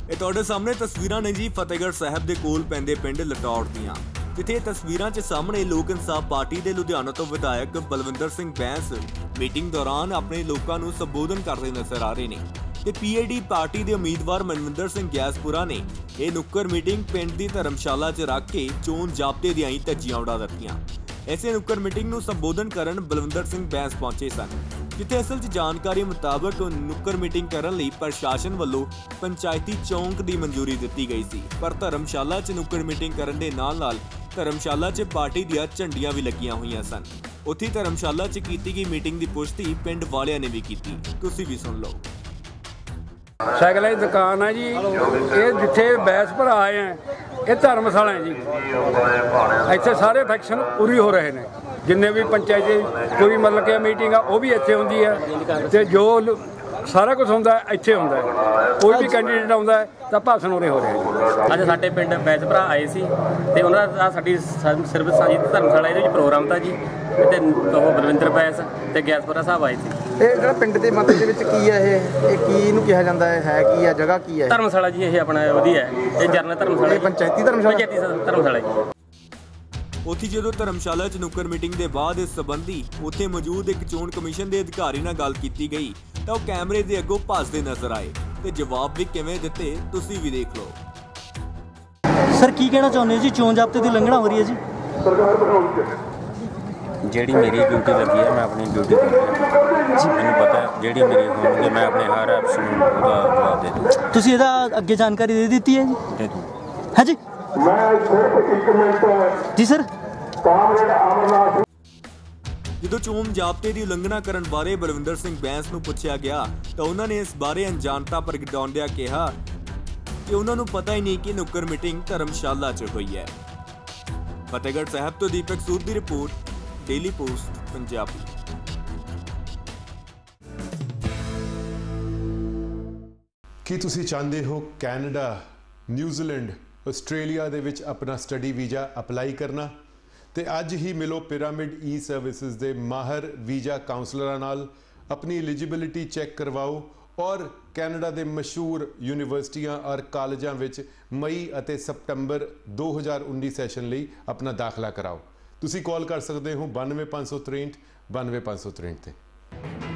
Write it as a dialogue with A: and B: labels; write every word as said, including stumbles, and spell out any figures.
A: ਇਹ ਤੁਹਾਡੇ ਸਾਹਮਣੇ ਤਸਵੀਰਾਂ ਨੇ ਜੀ ਫਤਿਹਗੜ੍ਹ ਸਾਹਿਬ ਦੇ ਕੋਲ ਪੈਂਦੇ ਪਿੰਡ ਲਟੌੜ ਦੀਆਂ, ਜਿੱਥੇ ਤਸਵੀਰਾਂ 'ਚ ਸਾਹਮਣੇ ਲੋਕ ਇਨਸਾਫ ਪਾਰਟੀ ਦੇ ਲੁਧਿਆਣਾ ਤੋਂ ਵਿਧਾਇਕ ਬਲਵਿੰਦਰ ਸਿੰਘ ਬੈਂਸ ਮੀਟਿੰਗ ਦੌਰਾਨ ਆਪਣੇ ਲੋਕਾਂ ਨੂੰ ਸੰਬੋਧਨ ਕਰਦੇ ਨਜ਼ਰ ਆ ਰਹੇ ਨੇ ਤੇ ਪੀਏਡੀ ਪਾਰਟੀ ਦੇ ਉਮੀਦਵਾਰ ਮਨਵਿੰਦਰ ਸਿੰਘ ਗਿਆਸਪੁਰਾ ਨੇ ਇਹ ਨੁੱਕਰ ਮੀਟਿੰਗ ਪਿੰਡ ਦੀ ਧਰਮਸ਼ਾਲਾ 'ਚ ਰੱਖ ਕੇ ਚੋਣ ਜ਼ਾਬਤੇ ਦੀਆਂ ਹੀ ਧੱਜੀਆਂ ਉਡਾ ਦਿੱਤੀਆਂ। ਐਸੇ ਨੁੱਕਰ ਮੀਟਿੰਗ ਨੂੰ ਸੰਬੋਧਨ ਕਰਨ ਬਲਵਿੰਦਰ ਸਿੰਘ ਬੈਂਸ ਪਹੁੰਚੇ ਸਨ, ਜਿੱਥੇ ਅਸਲ 'ਚ ਜਾਣਕਾਰੀ ਮੁਤਾਬਕ ਨੁੱਕਰ ਮੀਟਿੰਗ ਕਰਨ ਲਈ ਪ੍ਰਸ਼ਾਸਨ ਵੱਲੋਂ ਪੰਚਾਇਤੀ ਚੌਂਕ ਦੀ ਮਨਜ਼ੂਰੀ ਦਿੱਤੀ ਗਈ ਸੀ, ਪਰ ਧਰਮਸ਼ਾਲਾ 'ਚ ਨੁੱਕਰ ਮੀਟਿੰਗ ਕਰਨ ਦੇ ਨਾਲ-ਨਾਲ ਧਰਮਸ਼ਾਲਾ 'ਚ ਪਾਰਟੀ ਦੀਆਂ ਝੰਡੀਆਂ ਵੀ ਲੱਗੀਆਂ ਹੋਈਆਂ ਸਨ। ਉੱਥੇ ਧਰਮਸ਼ਾਲਾ 'ਚ ਕੀਤੀ ਗਈ ਮੀਟਿੰਗ ਦੀ ਪੁਸ਼ਟੀ ਪਿੰਡ ਵਾਲਿਆਂ ਨੇ ਵੀ ਕੀਤੀ, ਤੁਸੀਂ ਵੀ ਸੁਣ ਲਓ।
B: ਸਾਈਕਲਾਂ ਦੀ ਦੁਕਾਨ ਹੈ ਜੀ, ਇਹ ਜਿੱਥੇ ਬੈਂਸਪੁਰਾ ਆਏ ਆ ਇਹ ਧਰਮਸ਼ਾਲਾ ਹੈ ਜੀ। ਇੱਥੇ ਸਾਰੇ ਫੰਕਸ਼ਨ ਪੂਰੀ ਹੋ ਰਹੇ ਨੇ, ਜਿੰਨੇ ਵੀ ਪੰਚਾਇਤੀ ਕੋਈ ਮਤਲਬ ਕਿ ਮੀਟਿੰਗ ਆ ਉਹ ਵੀ ਇੱਥੇ ਹੁੰਦੀ ਹੈ ਤੇ ਜੋ ਸਾਰਾ ਕੁਝ ਹੁੰਦਾ ਇੱਥੇ ਹੁੰਦਾ। ਕੋਈ ਵੀ ਕੈਂਡੀਡੇਟ ਆਉਂਦਾ ਤਾਂ ਭਾਸ਼ਣ ਉਰੇ ਹੋ ਰਿਹਾ।
C: ਅੱਜ ਸਾਡੇ ਪਿੰਡ ਬੈਂਸਪੁਰਾ ਆਏ ਸੀ ਤੇ ਉਹਨਾਂ ਦਾ ਸਾਡੀ ਸਰਵਿਸ ਸਾਂਝੀ ਧਰਮਸ਼ਾਲਾ ਇਹਦੇ ਵਿੱਚ ਪ੍ਰੋਗਰਾਮ ਤਾਂ ਜੀ, ਤੇ ਉਹ ਬਲਵਿੰਦਰ ਬੈਂਸ ਤੇ ਗਿਆਸਪੁਰਾ ਸਾਹਿਬ ਆਏ ਸੀ।
D: ਇਹ ਜਿਹੜਾ ਪਿੰਡ ਦੇ ਮੱਤੇ ਦੇ ਵਿੱਚ ਕੀ ਹੈ ਇਹ ਇਹ ਕੀ ਇਹਨੂੰ ਕਿਹਾ ਜਾਂਦਾ ਹੈ ਹੈ ਕੀ ਹੈ ਜਗ੍ਹਾ ਕੀ ਹੈ?
C: ਧਰਮਸ਼ਾਲਾ ਜੀ ਇਹ ਆਪਣਾ ਵਧੀਆ ਹੈ, ਇਹ ਜਰਨਲ ਧਰਮਸ਼ਾਲਾ,
D: ਇਹ ਪੰਚਾਇਤੀ ਧਰਮਸ਼ਾਲਾ
C: ਪੰਚਾਇਤੀ ਧਰਮਸ਼ਾਲਾ ਜੀ।
A: ਉੱਥੇ ਜਦੋਂ ਧਰਮਸ਼ਾਲਾ 'ਚ ਨੁੱਕਰ ਮੀਟਿੰਗ ਦੇ ਬਾਅਦ ਇਸ ਸੰਬੰਧੀ ਉੱਥੇ ਮੌਜੂਦ ਇੱਕ ਚੋਣ ਕਮਿਸ਼ਨ ਦੇ ਅਧਿਕਾਰੀ ਨਾਲ ਗੱਲ ਕੀਤੀ ਗਈ ਤਾਂ ਉਹ ਕੈਮਰੇ ਦੇ ਅੱਗੋਂ ਭੱਜਦੇ ਨਜ਼ਰ ਆਏ ਤੇ ਜਵਾਬ ਵੀ ਕਿਵੇਂ ਦਿੱਤੇ ਤੁਸੀਂ ਵੀ ਦੇਖ ਲਓ।
E: ਸਰ ਕੀ ਕਹਿਣਾ ਚਾਹੁੰਦੇ ਹੋ ਜੀ, ਚੋਣ ਜ਼ਾਬਤੇ ਦੀ ਉਲੰਘਣਾ ਹੋ ਰਹੀ ਹੈ ਜੀ?
F: ਜਿਹੜੀ ਮੇਰੀ ਡਿਊਟੀ ਲੱਗੀ ਹੈ ਮੈਂ ਆਪਣੀ ਡਿਊਟੀ ਕਰ ਰਿਹਾ ਜੀ। ਮੈਨੂੰ ਪਤਾ ਜਿਹੜੀ ਮੇਰੀ ਹੋਣਗੇ ਮੈਂ ਆਪਣੇ ਹਰ ਐਪਸ਼ਨ ਨੂੰ ਉਹਦਾ ਜਵਾਬ ਦੇ ਦੂੰ।
E: ਤੁਸੀਂ ਇਹਦਾ ਅੱਗੇ ਜਾਣਕਾਰੀ ਦੇ ਦਿੱਤੀ ਹੈ ਜੀ?
F: ਦੇ ਦੂੰ।
E: ਹੈ ਜੀ ਜੀ ਸਰ।
A: ਜਦੋਂ ਚੋਣ ਜ਼ਾਬਤੇ ਦੀ ਉਲੰਘਣਾ ਕਰਨ ਬਾਰੇ ਬਲਵਿੰਦਰ ਸਿੰਘ ਬੈਂਸ ਨੂੰ ਪੁੱਛਿਆ ਗਿਆ ਤਾਂ ਉਹਨਾਂ ਨੇ ਇਸ ਬਾਰੇ ਅਣਜਾਣਤਾ ਪ੍ਰਗਟਾਉਂਦਿਆਂ ਕਿਹਾ ਕਿ ਉਹਨਾਂ ਨੂੰ ਪਤਾ ਹੀ ਨਹੀਂ ਕਿ ਨੁੱਕਰ ਮੀਟਿੰਗ ਧਰਮਸ਼ਾਲਾ 'ਚ ਹੋਈ ਹੈ। ਫਤਿਹਗੜ੍ਹ ਸਾਹਿਬ ਤੋਂ ਦੀਪਕ ਸੂਦ ਦੀ ਰਿਪੋਰਟ, ਡੇਲੀ ਪੋਸਟ ਪੰਜਾਬੀ।
G: ਕੀ ਤੁਸੀਂ ਚਾਹੁੰਦੇ ਹੋ ਕੈਨੇਡਾ, ਨਿਊਜ਼ੀਲੈਂਡ, ਆਸਟ੍ਰੇਲੀਆ ਦੇ ਵਿੱਚ ਆਪਣਾ ਸਟੱਡੀ ਵੀਜ਼ਾ ਅਪਲਾਈ ਕਰਨਾ? ਤੇ ਅੱਜ ਹੀ ਮਿਲੋ ਪਿਰਾਮਿਡ ਈ ਸਰਵਿਸਿਜ਼ ਦੇ ਮਾਹਰ ਵੀਜ਼ਾ ਕਾਉਂਸਲਰਾਂ ਨਾਲ, ਆਪਣੀ ਐਲੀਜੀਬਿਲਿਟੀ ਚੈੱਕ ਕਰਵਾਓ ਔਰ ਕੈਨੇਡਾ ਦੇ ਮਸ਼ਹੂਰ ਯੂਨੀਵਰਸਿਟੀਆਂ ਔਰ ਕਾਲਜਾਂ ਵਿੱਚ ਮਈ ਅਤੇ ਸਤੰਬਰ ਦੋ ਹਜ਼ਾਰ ਉੱਨੀ ਸੈਸ਼ਨ ਲਈ ਆਪਣਾ ਦਾਖਲਾ ਕਰਾਓ। ਤੁਸੀਂ ਕਾਲ ਕਰ ਸਕਦੇ ਹੋ ਬਾਨਵੇਂ ਪੰਜ ਸੌ ਤ੍ਰੇਹਠ ਬਾਨਵੇਂ ਪੰਜ ਸੌ ਤ੍ਰੇਹਠ ਤੇ।